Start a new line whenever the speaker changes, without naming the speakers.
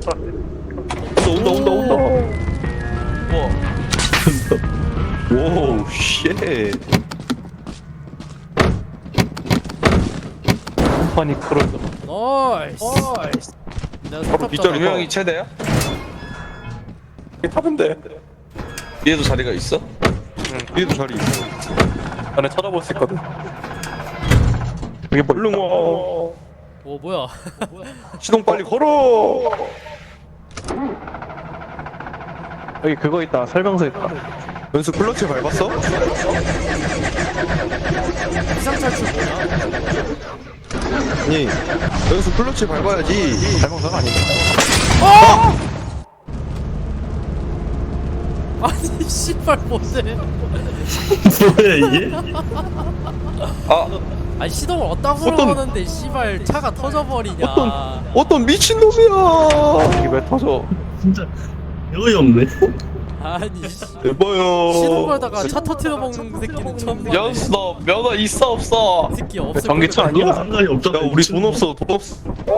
온다.
뭐?
오, 쉣. 컴파니 크루즈.
나이스. 내가
바로
사탑
빗자루
잡아.
명이 최대야?
타면 돼.
얘도 자리가 있어?
응, 뒤에도 자리 있어. 안에 찾아볼 수 있거든. 여기 뭐, 얼른 와.
오 뭐야?
시동 빨리 걸어. 여기 그거 있다. 설명서 있다. 연수 클러치 밟았어?
비상 탈출 뭐야?
아니, 연수 클러치 밟아야지. 설명서가 아닌가?
아니 씨발 뭔데?
뭐야 이게?
아
아니 시동을 어디다구로 하는데 씨발 차가 터져버리냐?
어떤 미친놈이야. 이게 왜 터져?
진짜 여이 없네.
아니 씨.
대봐요.
시동 걸다가 차 터트려 먹는 새끼는 처음 봤네.
연수 너 면허 있어 없어?
이 새끼 없을
전기차
거야.
아니야?
상관이 없잖아.
야, 우리 돈 없어.